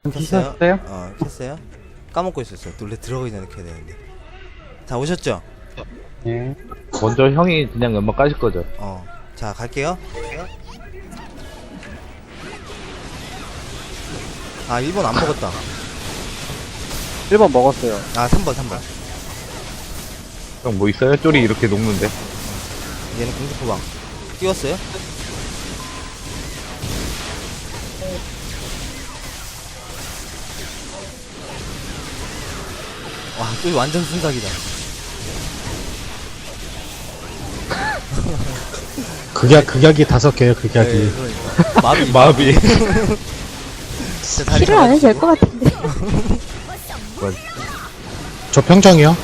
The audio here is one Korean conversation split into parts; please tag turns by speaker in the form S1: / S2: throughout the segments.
S1: 켰어요?
S2: 켰어요? 켰어요? 까먹고 있었어요. 놀래 들어가기 전에 켜야 되는데. 자, 오셨죠?
S1: 예.
S3: 먼저 형이 그냥 연막 까실 거죠?
S2: 자, 갈게요. 아, 1번 안 먹었다.
S1: 1번 먹었어요.
S2: 아, 3번.
S3: 형 뭐 있어요? 쪼리 이렇게 녹는데.
S2: 얘는 공주포방. 띄웠어요? 와, 또 완전 순삭이다.
S4: 극약이 5개요, 극약이.
S2: 네, 그러니까. 마비.
S3: 마비.
S2: 진짜 다리
S5: 힐을 안 해도 될
S2: 잡아주시고.
S5: 것 같은데.
S4: 저 평정이요?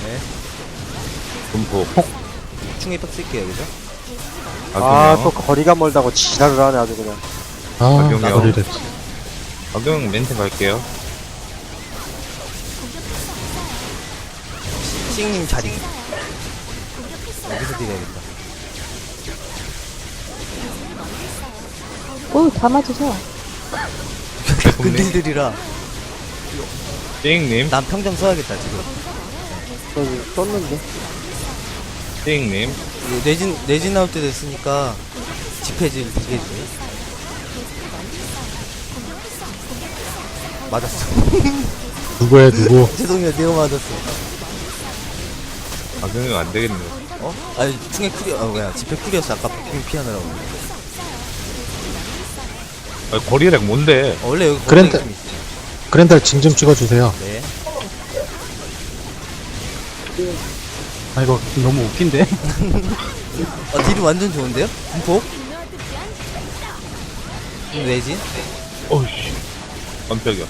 S3: 분포.
S2: 충에 빡 쓸게요, 그죠?
S1: 아, 또
S3: 악용.
S1: 거리가 멀다고 지랄을 하네, 아주 그냥.
S4: 아,
S3: 악용이요.
S4: 소리를.
S3: 악용 멘트 갈게요.
S2: 싱님 자리. 여기서 드려야겠다.
S5: 오, 다 맞으셔.
S2: 근딜들이라
S3: 띵님,
S2: 난 평정 써야겠다, 지금.
S1: 저기, 떴는데.
S3: 띵님.
S2: 이거 내진 나올 때 됐으니까 집회질 되겠지. 맞았어.
S4: 누구야, 누구?
S2: 죄송해요, 내가 맞았어.
S3: 악용이 안 되겠네.
S2: 아니, 충에 쿨이, 뭐야, 집회 쿨이었어. 아까 복빙 피하느라고.
S3: 아, 거리렉 뭔데?
S2: 원래 여기
S4: 그랜드-
S2: 거리가 좀 있어.
S4: 그랜달 징 좀 찍어주세요.
S2: 네.
S1: 아, 이거 너무 웃긴데?
S2: 딜이 완전 좋은데요? 분폭? 내진?
S3: 어이씨. 깜짝이야.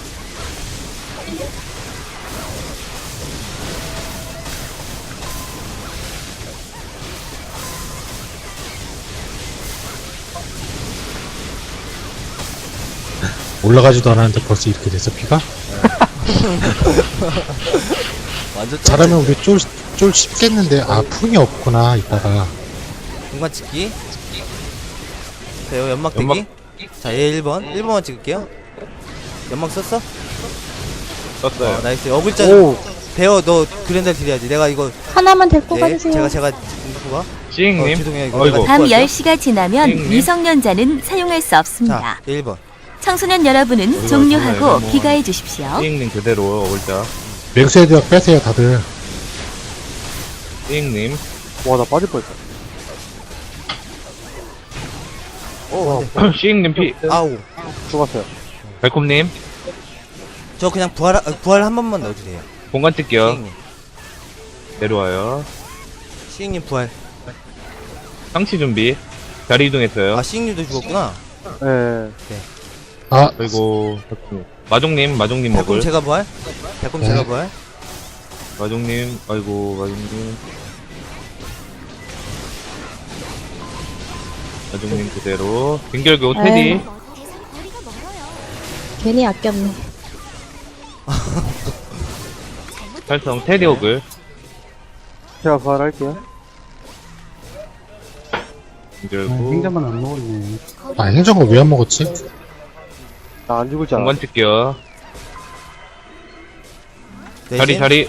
S4: 올라가지도 않았는데 벌써 이렇게 됐어, 피가?
S2: 완전
S4: 잘하면 우리 쫄 쉽겠는데, 아, 풍이 없구나, 이따가.
S2: 공간 찍기. 자, 여기 연막 대기.
S3: 연막.
S2: 자, 얘 1번만 찍을게요. 연막 썼어?
S3: 떴어요.
S2: 나이스. 어글자.
S1: 오,
S2: 배어, 너 그랜달 딜해야지. 내가 이거.
S5: 하나만 데리고
S2: 네,
S5: 가주세요.
S2: 제가 공부가.
S3: 띵님.
S2: 죄송해요. 이거
S3: 아이고.
S2: 내가
S6: 밤
S2: 듣고 할게요.
S6: 10시가 지나면
S3: 띵님.
S6: 미성년자는 사용할 수 없습니다.
S2: 자, 1번.
S6: 청소년 여러분은
S3: 어디가
S6: 종료하고
S3: 어디가
S6: 귀가해 주십시오.
S3: 띵님 그대로 올자.
S4: 맹수헤드약 빼세요, 다들.
S3: 띵님.
S1: 와, 나 빠질 뻔했어.
S3: 띵님 피.
S2: 아우.
S1: 죽었어요.
S3: 달콤님.
S2: 저 그냥 부활 한 번만 넣어주세요.
S3: 공간 뜰게요.
S2: 시잉님.
S3: 내려와요.
S2: 시잉님 부활.
S3: 상치 준비. 자리 이동했어요.
S2: 아, 시잉님도 죽었구나.
S1: 예.
S4: 아,
S3: 그리고 마종님
S2: 달콤
S3: 먹을.
S2: 제가 부활? 달콤
S4: 네.
S2: 제가 부활?
S3: 마종님. 아이고 마종님. 마종님 그대로. 빙결교 테디.
S5: 에이. 괜히 아꼈네.
S3: 살성 테디 호글.
S1: 제가 부활할게요.
S3: 빙결구.
S1: 행자만 안 먹었네.
S4: 아, 행정을 왜 안 먹었지?
S1: 나 안 죽을 줄 알아.
S3: 공간 뜰게요.
S2: 내진?
S3: 자리.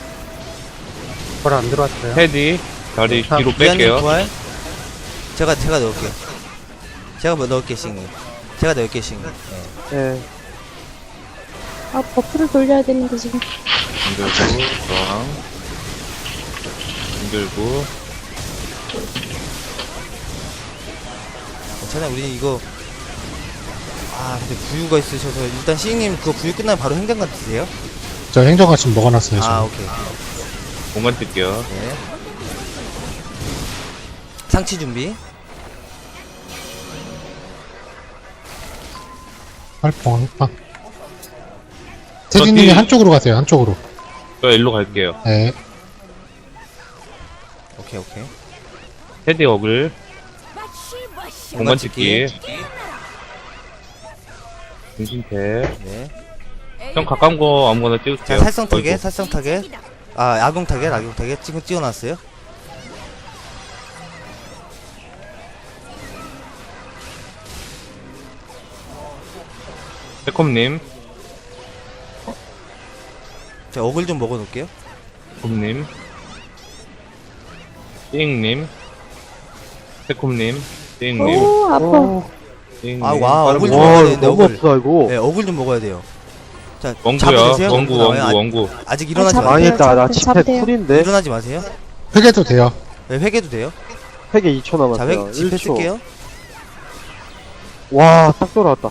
S1: 부활 안 들어왔어요.
S3: 테디. 자리
S2: 자,
S3: 뒤로
S2: 미안님
S3: 뺄게요.
S2: 부활. 제가 넣을게요. 제가 뭐 넣을게, 시잉님. 제가 넣을게, 시잉님. 네.
S1: 예.
S5: 아, 버프를 돌려야 되는데, 지금.
S3: 빙결구. 저항. 빙결구.
S2: 괜찮아, 우리 이거. 아, 근데 부유가 있으셔서. 일단 시잉님 그거 부유 끝나면 바로 행장관 드세요?
S4: 저 행정가 지금 먹어놨어요, 지금.
S2: 아, 오케이.
S3: 공간 뜰게요.
S2: 네. 상치 준비.
S4: 활뽕. 태진님이 한쪽으로 가세요, 한쪽으로.
S3: 저 일로 갈게요.
S4: 네.
S2: 오케이.
S3: 테디 호글. 공간 찍기. 중심태.
S2: 네.
S3: 형 가까운 거 아무거나
S2: 자,
S3: 찍을게요.
S2: 살성 타겟,
S3: 아이고.
S2: 살성 타겟. 아, 악용 타겟. 지금 찍어놨어요.
S3: 새콤님.
S2: 자, 어글 좀 먹어놓을게요.
S3: 곰님, 띵님, 새콤님, 띵님,
S5: 오, 아파.
S3: 띵님.
S2: 아, 와,
S3: 빠른
S2: 어글
S3: 거.
S2: 좀 먹어야
S1: 와,
S2: 되는데,
S1: 너무
S2: 어글.
S1: 없다, 이거.
S2: 네, 어글 좀 먹어야 돼요. 자,
S3: 원구야,
S2: 잡으세요.
S3: 원구,
S2: 나와요.
S3: 원구.
S2: 아직 일어나지
S5: 잡아요.
S2: 마세요.
S1: 망했다. 나
S5: 잡대,
S1: 집회
S5: 잡대요.
S1: 쿨인데?
S2: 일어나지 마세요.
S4: 회개도 돼요.
S2: 네, 회개도 돼요.
S1: 회계 2초
S2: 자,
S1: 남았어요.
S2: 집회
S1: 1초.
S2: 쓸게요.
S1: 와, 딱 돌아왔다.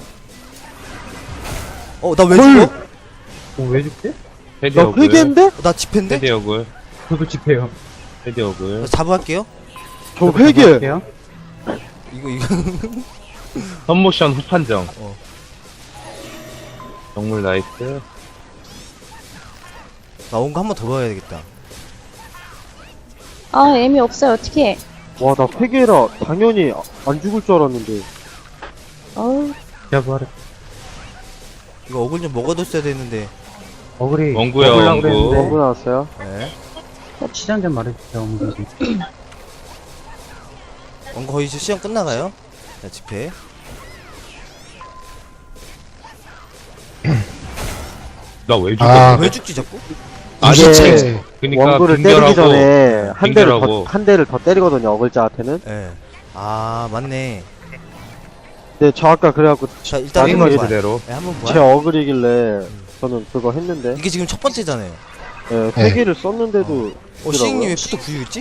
S2: 나 왜
S1: 헐!
S2: 죽어?
S1: 왜 죽지?
S3: 헤디
S1: 나
S3: 어글.
S1: 회계인데?
S2: 나 집회인데?
S3: 헤디 어글.
S1: 저도 집회요.
S3: 헤디 어글.
S2: 자, 자부할게요.
S1: 저 회계!
S2: 이거.
S3: 선모션 후판정.
S2: 어.
S3: 정물 나이스.
S2: 나 온 거 한 번 더 봐야 되겠다.
S5: 아, 애미 없어요. 어떡해.
S1: 와, 나 회계라 당연히 안 죽을 줄 알았는데.
S5: 어우,
S2: 이거 어글 좀 먹어뒀어야 되는데.
S3: 원구야, 원구.
S1: 원구 나왔어요.
S2: 네.
S1: 시장 좀 말해주세요, 어머니.
S2: 거의 이제 시험 끝나가요. 자, 집회.
S3: 나 왜 죽어?
S4: 아,
S2: 왜 죽지, 자꾸?
S4: 이게
S3: 그니까
S1: 원구를 때리기
S3: 빙결하고,
S1: 전에
S3: 빙결하고.
S1: 한 대를 더 때리거든요, 어글자한테는.
S2: 예. 아, 맞네.
S1: 근데 저 아까 그래갖고
S2: 자, 일단
S1: 마지막에
S2: 한번 부활.
S3: 그대로.
S2: 네, 한번
S1: 제
S2: 부활.
S1: 어글이길래 저는 그거 했는데,
S2: 이게 지금 첫 번째잖아요.
S1: 예, 회계를 썼는데도.
S2: 시잉님 왜 푸드 구유였지?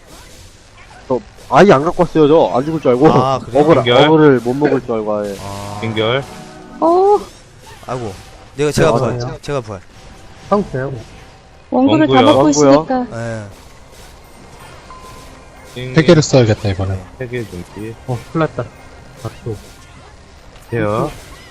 S1: 아예 안 갖고 왔어요, 저. 안 죽을 줄 알고.
S2: 아, 그래요?
S3: 빙결?
S1: 어글을 못 먹을 줄 알고, 아예.
S2: 아,
S3: 빙결.
S2: 아이고. 제가 부활.
S1: 맞아요.
S2: 제가 부활.
S5: 원구를 다
S3: 원구요.
S5: 먹고
S1: 원구요.
S5: 있으니까.
S2: 예.
S4: 회개를 써야겠다, 이번에.
S3: 세개 준비.
S1: 큰일 났다.
S3: 돼요.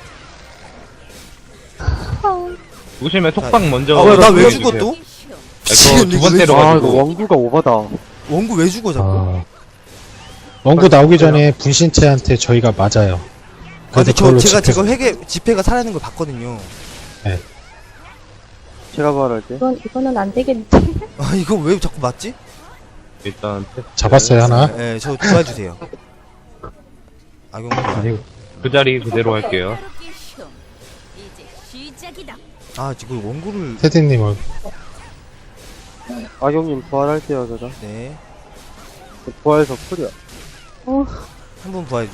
S5: 아,
S3: 죽으시면 톡방 먼저.
S2: 나 왜
S3: 해주세요.
S2: 죽어 또?
S3: 이거 두 번째로
S1: 아,
S3: 가지고.
S1: 이거 원구가 오바다.
S2: 원구 왜 죽어, 자꾸?
S4: 아. 원구 나오기 전에 분신체한테 저희가 맞아요.
S2: 근데
S4: 그걸로
S2: 제가
S4: 집회-
S2: 집회가 살아있는 걸 봤거든요.
S1: 제가 말할게.
S5: 이거는 안 되겠는데.
S2: 아, 이거 왜 자꾸 맞지?
S3: 일단 테스트.
S4: 잡았어요, 하나.
S2: 예, 저 도와주세요. 악용.
S3: 그 자리 그대로 할게요.
S2: 아, 지금 원구를.
S4: 테디님 얼굴.
S1: 악용님 부활할게요, 제가.
S2: 네.
S1: 부활해서 풀이야.
S2: 한 번 부활해줘.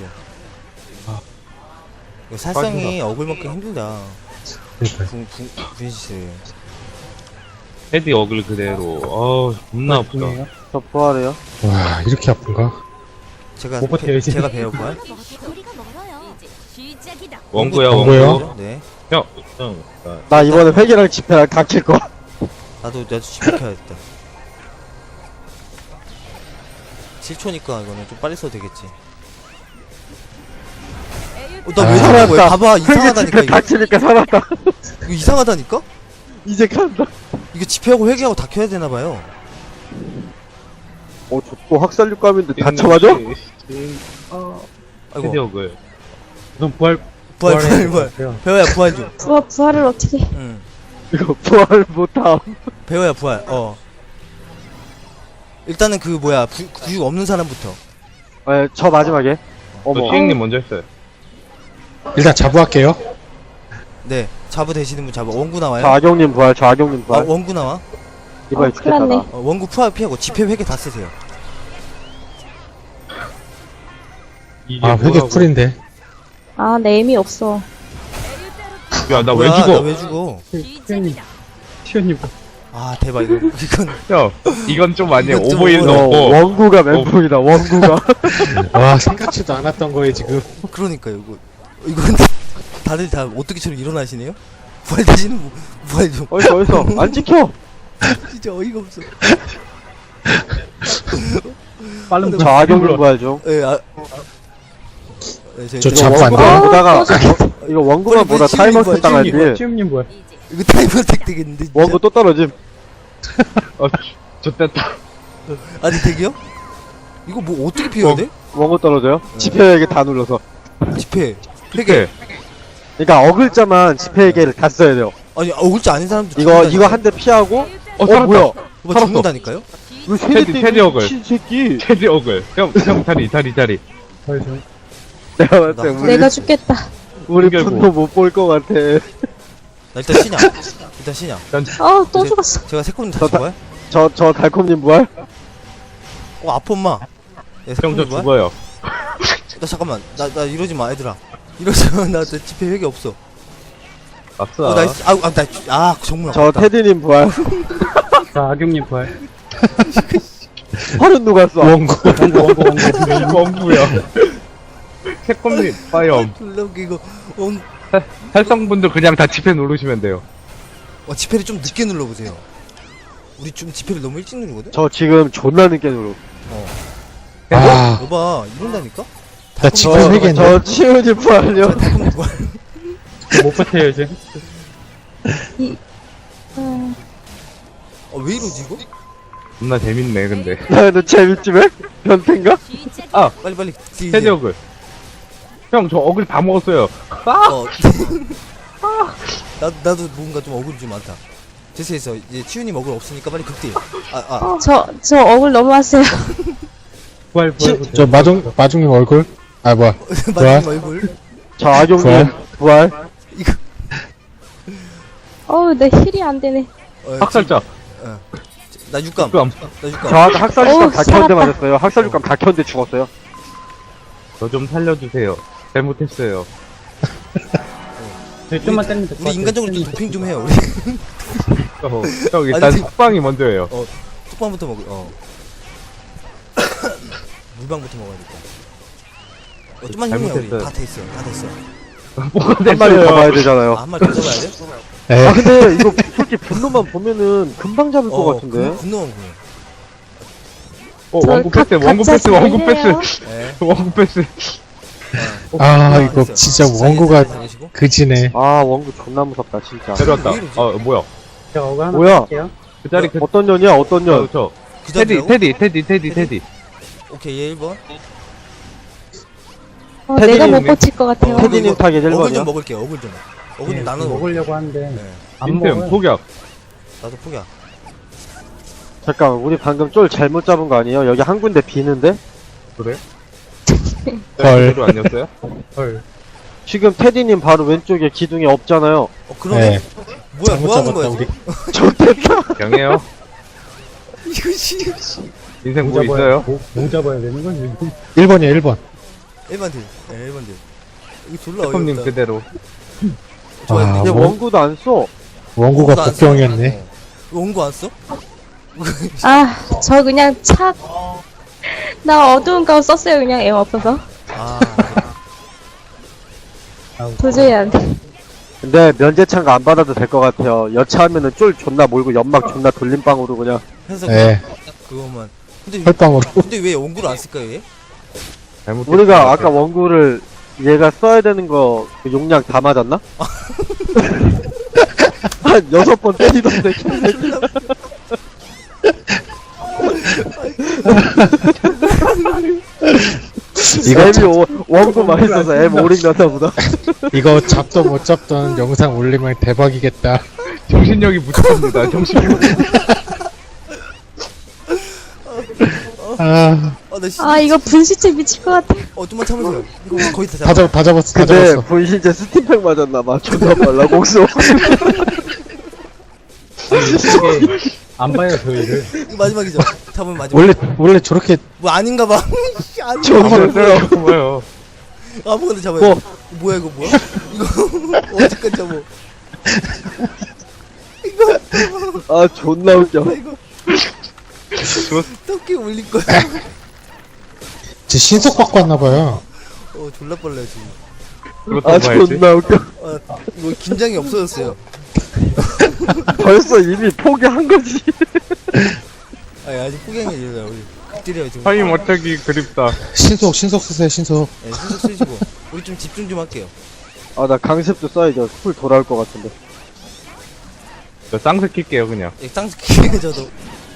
S2: 이거 살상이 어글 먹기 힘들다.
S4: 그러니까요.
S2: 분실.
S3: 헤디 어글 그대로. 겁나 아프다.
S1: 저 부활해요.
S4: 와, 이렇게 아픈가?
S2: 제가
S1: 못 버텨요, 이제.
S2: 제가 배워 부활.
S3: 원구야,
S4: 원구요?
S3: 원구.
S2: 네.
S3: 형.
S1: 나 이번에 회계랑 집회랑 다 킬 거야.
S2: 나도 지켜야겠다. 7초니까 이거는 좀 빨리 써도 되겠지. 나 왜
S4: 아,
S2: 살아난 거야?
S1: 살았다.
S2: 봐봐,
S1: 회계
S2: 이상하다니까
S1: 집회
S2: 이거.
S1: 다 치니까 살았다.
S2: 이거 이상하다니까?
S1: 이제 간다.
S2: 이거 집회하고 회계하고 다 켜야 되나 봐요.
S1: 저 또 학살육감인데 다쳐맞아?
S2: 아이고.
S3: 헤디 어글.
S2: 부활. 배워야 부활 좀.
S5: 부활을 어떻게.
S2: 응.
S1: 이거 부활 못함.
S2: 배워야 부활. 일단은 그 뭐야 구육 없는 사람부터.
S1: 예, 저 마지막에.
S3: 저
S1: 어머.
S3: 시잉님 먼저 했어요.
S4: 일단 자부할게요.
S2: 네. 자부 되시는 분 자부. 원구
S1: 저
S2: 나와요.
S1: 악용님 부활, 저 악용님
S2: 아,
S1: 부활.
S2: 원구 나와.
S1: 이번에
S5: 큰일
S1: 죽겠다,
S5: 났네.
S1: 나.
S2: 원구 부활 피하고 집회 회계 다 쓰세요.
S3: 이게
S4: 아, 회개
S3: 뭐라고.
S4: 쿨인데.
S5: 아, 내 애미 없어.
S3: 야, 나 왜
S2: 뭐야,
S3: 죽어?
S2: 나 왜 죽어?
S1: 시연님.
S2: 아, 대박 이거 이건
S3: 형, 이건 좀 아니에요.
S2: 이건 좀
S3: 오버일
S2: 오버다.
S3: 넣고.
S1: 원구가 멘붕이다, 원구가.
S4: 와, 생각지도 않았던 거에 지금.
S2: 그러니까요. 이건 다들 다 오뚜기처럼 일어나시네요. 부활 되시는 분 부활 좀.
S1: 어디서, 안 지켜!
S2: 진짜 어이가 없어.
S1: 빠른 저 악용님 부활 중.
S2: 예, 네,
S4: 저
S1: 이거
S4: 자부 안
S1: 원구만
S4: 돼요?
S1: 보다가, 이거 원구만
S2: 빨리
S1: 보다
S2: 시연님
S1: 타이머스
S2: 부활,
S1: 당하지.
S2: 이거 타이머 택 되겠는데. 진짜?
S1: 원구 또 떨어짐.
S3: 좋됐다.
S2: 아니 되게요? 이거 뭐 어떻게 피해야 돼?
S1: 원구 떨어져요? 지폐에게 다 눌러서.
S2: 집회 회계.
S1: 그러니까 어글자만 지폐에게를 다 써야 돼요.
S2: 아니 어글자 아닌 사람도
S1: 이거 한 대 피하고,
S3: 살았다.
S1: 뭐야?
S2: 뭐
S1: 살았어.
S2: 죽는다니까요?
S1: 왜 세대
S3: 테디 어글.
S1: 미친 새끼.
S3: 헤디 어글. 형, 다리.
S1: 내가 봤을 때 우리,
S5: 내가 죽겠다.
S1: 우리
S3: 결국.
S1: 분도 못 볼 것 같아.
S2: 나 일단 쉬냐. 일단 쉬냐.
S5: 또 죽었어.
S2: 제가 새콤님 다
S1: 저 다-
S2: 죽어요?
S1: 저 달콤님 부활?
S2: 아파 엄마. 야,
S3: 형, 저
S2: 새콤님 뭐야?
S3: 죽어요.
S2: 나 잠깐만. 나 이러지 마 얘들아. 이러지 마. 나 집회 회개 없어.
S3: 아싸.
S2: 나이스. 정문
S1: 저
S2: 아깝다.
S1: 테디님 부활.
S7: 자, 악용님 부활.
S1: 활은 누가 써?
S4: 원고.
S3: 원구요. 새콤님 파이엄.
S2: 졸라 웃기고.
S3: 살성분들 그냥 다 집에 누르시면 돼요.
S2: 지폐를 좀 늦게 눌러보세요. 우리 좀 지폐를 너무 일찍 누르거든?
S1: 저 지금 존나 늦게 누르.
S4: 아,
S2: 여봐, 이런다니까?
S4: 나 지금 회개했네.
S1: 저 치우지 부활요.
S2: 달콤님 뭐야?
S7: 못 버텨요, 이제.
S2: 왜 이러지, 이거?
S3: 겁나 재밌네 근데.
S1: 나도 재밌지 왜? 변태인가?
S2: 빨리.
S3: 해적을. 형 저 어글 다 먹었어요.
S2: 나도 뭔가 좀 억울이 좀 많다. 됐어. 이제 치윤이 억울 없으니까 빨리 극딜.
S5: 저 억울 넘어왔어요.
S7: 부활.
S4: 저 마중님 얼굴? 아, 뭐야.
S2: 마지막 얼굴.
S1: 저 악용님 부활.
S5: 내 힐이 안 되네.
S3: 학살자.
S2: 나 육감.
S3: 그럼
S1: 저 아까 학살육감 다 켰는데
S5: 살았다.
S1: 맞았어요. 학살육감 다 켰는데 죽었어요.
S3: 저 좀 살려주세요. 잘못했어요.
S7: 저희 좀만 때리면 될것
S2: 우리
S7: 같아요.
S2: 인간적으로 좀 도핑 좀 해요. 우리
S3: 형 일단
S2: 아니,
S3: 숙방이 먼저예요.
S2: 툭방부터 먹어. 물방부터 먹어야겠다. 좀만 힘내요. 우리
S3: 잘못했어요.
S2: 다 됐어.
S3: 뭐가
S1: 한 마리 더 봐야
S3: 됐어요.
S1: 되잖아요.
S2: 한 마리 더 잡아야 돼?
S4: 에,
S1: 근데 이거 솔직히 분노만 보면은 금방 잡을 것 같은데.
S2: 분노만 보여.
S3: 원구 패스, 원구 패스, 원구 패스,
S2: 네.
S3: 원구 패스.
S4: 아, 이거 진짜 원고가
S2: 다니시고.
S4: 그지네.
S1: 아 원구 존나 무섭다 진짜.
S3: 내려왔다.
S2: 왜 이러지?
S3: 뭐야?
S7: 제가 억울 하나
S1: 뭐야?
S7: 할게요.
S3: 그 자리 그
S1: 어떤 년이야 어떤 년?
S3: 저
S2: 그
S3: 테디
S2: 자리라고?
S3: 테디.
S2: 오케이 얘 1번.
S5: 내가 못
S1: 테디님.
S5: 버틸 것 같아요.
S1: 테디님 타겟
S2: 어글
S1: 1번이야.
S2: 좀 먹을게요. 어글 좀
S7: 네,
S2: 나눠 먹을게.
S7: 먹으려고 하는데
S2: 네.
S7: 안
S3: 인템
S7: 먹어요.
S3: 포격.
S2: 나도 포기야.
S1: 잠깐 우리 방금 쫄 잘못 잡은 거 아니에요? 여기 한 군데 비는데?
S3: 그래?
S4: 헐.
S3: 그대로 아니었어요?
S7: 헐.
S1: 지금 테디님 바로 왼쪽에 기둥이 없잖아요.
S2: 그러네.
S4: 네.
S2: 뭐야
S4: 잘못
S2: 뭐 하는 거야
S4: 잡았다,
S2: 지금?
S4: 우리.
S1: 좋겠다.
S3: 경해요.
S2: 이거 씨.
S3: 인생 뭐 있어요?
S7: 뭐 잡아야 되는 거지?
S4: 1번이야, 1번.
S2: 1번 딜. 네 1번 딜. 이거 졸라
S3: 태콤님
S2: 어이없다.
S3: 그대로.
S2: 좋아요.
S4: 아,
S1: 이제
S4: 원-
S1: 원구도 안 써.
S4: 원고가
S2: 원고 안 써.
S4: 복병이었네.
S2: 원고 안 써?
S5: 저 그냥 나 어두운 가운 썼어요, 그냥 애 없어서. 도저히 안 돼.
S1: 근데 면제창가 안 받아도 될 것 같아요. 여차하면은 쫄 존나 몰고 연막 존나 돌림방으로 그냥.
S2: 해서
S4: 네.
S2: 그거만. 근데
S4: 혈방으로.
S2: 근데 왜 원고를 안 쓸까요 얘?
S3: 잘못.
S1: 우리가 아까 원구를 얘가 써야 되는 거그 용량 다 맞았나? 한 6번 때리던데.
S4: 이거
S1: 원구 많이 써서 M 오링 났나 보다.
S4: 이거 잡도 못 잡던 영상 올리면 대박이겠다.
S3: 정신력이 부족합니다. 정신력.
S4: 아,
S2: 나 진짜.
S5: 이거 분시체 미칠 것 같아.
S2: 좀만 참으세요. 이거 거의 다
S4: 다
S2: 잡아.
S4: 잡았어, 다
S1: 근데
S4: 잡았어.
S1: 분신제 스팀팩 맞았나봐. 존나 빨라 곡수.
S7: 이게 안 봐요, 저희를.
S2: 이거 마지막이죠. 잡으면 마지막.
S4: 원래 저렇게
S2: 뭐 아닌가 봐. 씨, 아닌가
S1: 좋았어요.
S3: 뭐요?
S2: 봐. 아무거나 잡아요. 뭐야 이거 뭐야? 이거 어디까지 잡아?
S1: 아 존나 웃겨.
S2: 이거 어떻게 올릴 거야?
S4: 제 신속 받고 왔나봐요.
S2: 졸라 빨라요 지금.
S3: 그것도
S1: 아
S3: 봐야지.
S1: 존나 웃겨.
S2: 이거 긴장이 없어졌어요.
S1: 벌써 이미 포기한 거지.
S2: 아직 포기한 게 아니라 우리 극딜이에요 지금.
S3: 파임 어쩌기 그립다.
S4: 신속 쓰세요, 신속.
S2: 네, 신속 쓰시고 우리 좀 집중 좀 할게요.
S1: 아 나 강습도 써야죠. 풀 돌아올 것 같은데.
S3: 저 쌍스 킬게요 그냥.
S2: 쌍스 키게 저도.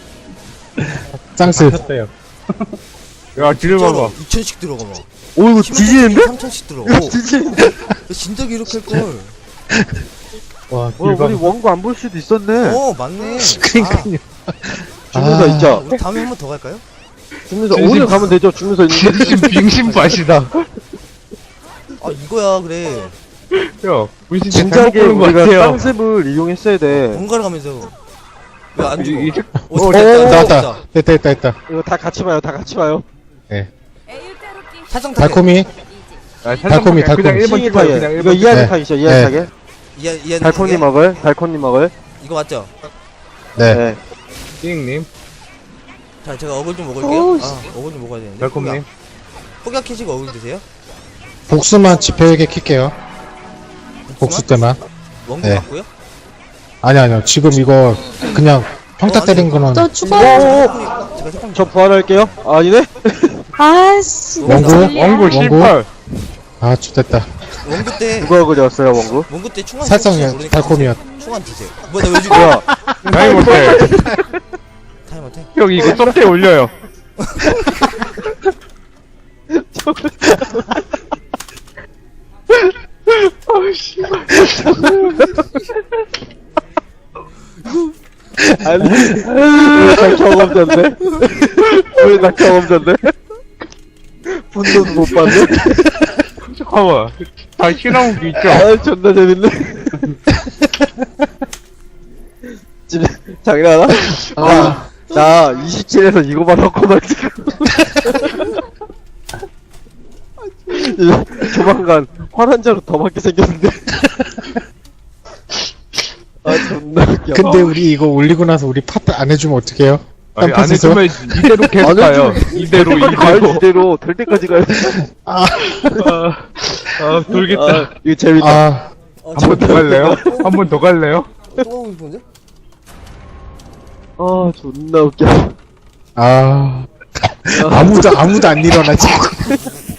S4: 쌍스.
S7: 쳤어요.
S3: 야 뒤를 봐봐.
S2: 2,000씩 들어가 봐.
S1: 오 이거 뒤지는데?
S2: 3,000씩 들어가.
S1: 이거 뒤지는데?
S2: 진작에 이렇게 할 걸.
S7: 와,
S1: 우리
S7: 딜방.
S1: 원고 안 볼 수도 있었네.
S2: 맞네.
S4: 그러니까요.
S1: 주문서
S4: 아.
S1: 있죠?
S2: 우리 다음에 한 번 더 갈까요?
S1: 주문서
S3: 진심-
S1: 오늘 가면 되죠. 주문서 있는데.
S3: 빙신 빙신 밭이다.
S2: 이거야 그래.
S3: 형, 분신체 잘못
S1: 진작에
S3: 보는 것
S1: 우리가
S3: 같아요.
S1: 땅습을 이용했어야 돼.
S2: 번갈아 가면서 왜 안 죽어?
S3: 이제
S2: 오,
S4: 나왔다. 됐다.
S1: 이거 다 같이 봐요, 다 같이 봐요.
S2: 살성 타겟.
S4: 달콤이.
S3: 아,
S4: 달콤이,
S3: 그냥
S4: 달콤이.
S3: 1번
S1: 싱이
S3: 찍어요.
S1: 타겟.
S3: 그냥
S1: 이거
S3: 1번
S1: 이하드
S4: 네.
S1: 타겟이죠, 이하드
S4: 네.
S1: 타겟. 달콤님 먹을, 달콤님 먹을.
S2: 이거 맞죠?
S4: 네.
S1: 네.
S3: 띵님,
S2: 자, 제가 어글 좀 먹을게요.
S5: 오우,
S2: 어글 좀 먹어야 되는데.
S3: 달콤님.
S2: 폭약 캐시고 어글 드세요?
S4: 복수만 지표에게 킬게요. 복수 때만.
S2: 원고
S4: 네.
S2: 맞고요?
S4: 아니요. 지금 이거 그냥 평타 때린 거는
S5: 저 죽어.
S2: 제가 색깔
S1: 저 부활할게요. 아니네?
S5: 아씨.
S4: 원고?
S3: 원구
S4: 원구?
S3: 18.
S4: 아 좋됐다.
S2: 원고 때
S1: 누가 그렸어요, 원구?
S2: 원고 때 충원
S4: 살성이야. 달콤이야.
S2: 충원 드세요. 뭐야 나왜 죽어?
S1: 뭐야?
S3: 나이 못해.
S2: 타임 어택.
S3: 형, 이거 썸때 올려요.
S1: 아니, 왜 나 경험자인데? 왜 나 경험자인데? 분노도 못 받네?
S3: 잠깐만. 다 실험기 있죠?
S1: 아, 존나 재밌네. 집에, 장난하나? 나 27에서 이거만 하고만 지금. 조만간 환환자로 더 맞게 생겼는데. 아, 존나 웃겨.
S4: 근데 우리 이거 올리고 나서 우리 파트 안 해주면 어떡해요?
S3: 아니, 안
S4: 딴
S3: 해주면 이대로 계속 가요. 이대로,
S1: 가야지,
S3: 이대로.
S1: 이대로. 될 때까지 가야 돼.
S3: 아, 돌겠다.
S1: 아, 이거 재밌다.
S4: 아
S2: 어,
S3: 한 번 더 갈래요? 한 번 더 갈래요?
S2: 또 하고 싶은데?
S1: 아, 존나 웃겨.
S4: 아무도 안 일어나 지금.